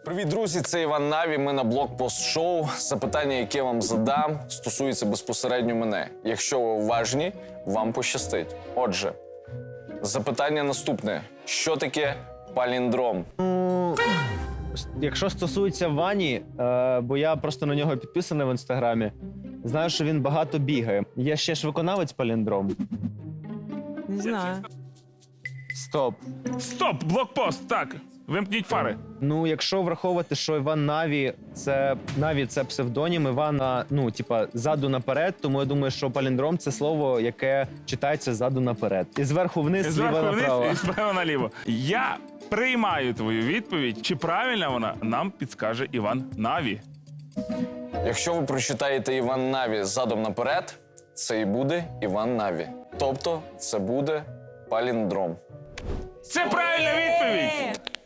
Привіт, друзі! Це Іван Наві. Ми на блокпост шоу. Запитання, яке вам задам, стосується безпосередньо мене. Якщо ви уважні, вам пощастить. Отже, запитання наступне: що таке паліндром? Якщо стосується Вані, бо я просто на нього підписаний в інстаграмі, знаю, що він багато бігає. Є ще ж виконавець паліндром. Не знаю. Стоп. Стоп! Блокпост! Так, вимкніть фари. Ну, якщо враховувати, що Іван Наві це псевдонім Івана, ну, типа, ззаду наперед, тому я думаю, що паліндром це слово, яке читається ззаду наперед. І зверху вниз, зліва Зверху направо. вниз і справа наліво. Я приймаю твою відповідь. Чи правильна вона, нам підскаже Іван Наві. Якщо ви прочитаєте Іван Наві задом наперед, це і буде Іван Наві. Тобто це буде паліндром. Це правильна відповідь!